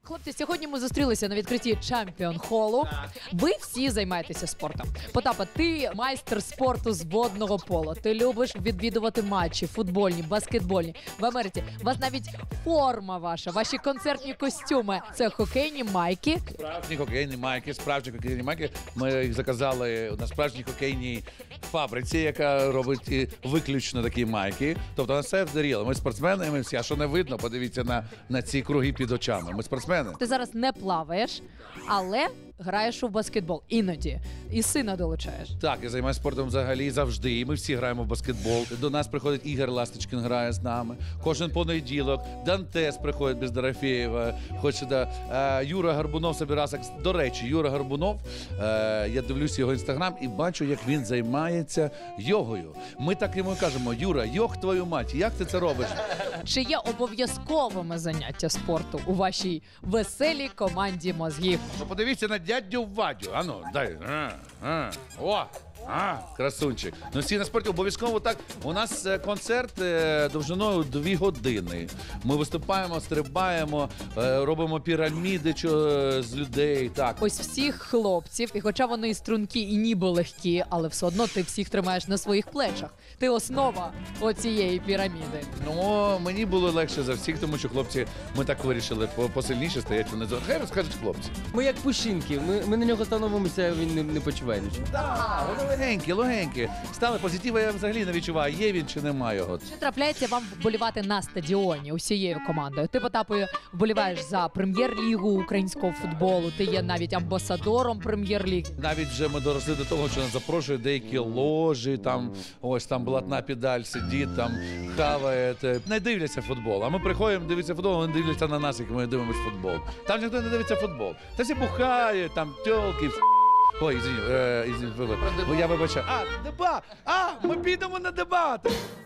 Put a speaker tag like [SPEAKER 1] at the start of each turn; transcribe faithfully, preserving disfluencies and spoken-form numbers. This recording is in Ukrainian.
[SPEAKER 1] Хлопці, сьогодні ми зустрілися на відкритті Чемпіон Холу. Ви всі займаєтеся спортом. Потапа, ти майстер спорту з водного пола. Ти любиш відвідувати матчі, футбольні, баскетбольні. В Америці у вас навіть форма ваша, ваші концертні костюми. Це хокейні майки.
[SPEAKER 2] Справжні хокейні майки, справжні хокейні майки. Ми їх заказали на справжній хокейній фабриці, яка робить і виключно такі майки. Тобто на все вдаріло. Ми спортсмени, ми всі. А що не видно, подивіться на, на ці круги під очами. Ми спортсмени.
[SPEAKER 1] Ти зараз не плаваєш, але граєш у баскетбол. Іноді. І сина долучаєш.
[SPEAKER 2] Так, я займаюся спортом взагалі завжди. І ми всі граємо в баскетбол. До нас приходить Ігор Ласточкін, грає з нами. Кожен понеділок. Дантес приходить без Дорофєєва. Хоче, да. Е, Юра Горбунов собирався. До речі, Юра Горбунов, е, я дивлюся його інстаграм і бачу, як він займається йогою. Ми так йому кажемо: Юра, йог твою мать, як ти це робиш?
[SPEAKER 1] Чи є обов'язковими заняття спорту у вашій веселій команді мозгів?
[SPEAKER 2] Ну, подивіться на дядю Вадю. Ану, дай. А, а, о! А, красунчик. Ну, всі на спорті обов'язково так. У нас е, концерт е, довжиною дві години. Ми виступаємо, стрибаємо, е, робимо піраміди чо, е, з людей. Так.
[SPEAKER 1] Ось всіх хлопців, і хоча вони і стрункі, і ніби легкі, але все одно ти всіх тримаєш на своїх плечах. Ти основа оцієї піраміди.
[SPEAKER 2] Ну, мені було легше за всіх, тому що хлопці, ми так вирішили, по- посильніше стоять внизу. Хай розкажуть хлопці.
[SPEAKER 3] Ми як пушинки, ми, ми на нього становимося, він не, не почуває нічого.
[SPEAKER 2] Так, вони легенькі, легенькі. Стали позитиву, я взагалі не відчуваю, є він чи немає його.
[SPEAKER 1] Чи трапляється вам вболівати на стадіоні усією командою? Ти, Потапою, вболіваєш за прем'єр-лігу українського футболу, ти є навіть амбасадором прем'єр-ліги.
[SPEAKER 2] Навіть вже ми доросли до того, що нас запрошують деякі ложі, там ось там блатна педаль сидить, там хаває, те. Не дивляться футбол. А ми приходимо, дивитися футбол, вони дивляться на нас, як ми дивимося футбол. Там ніхто не дивиться футбол. Та всі бухають, там тьолки. Ой, извини, е, извини, вибач. Я вибачаю. А, дебат! А, ми підемо на дебати!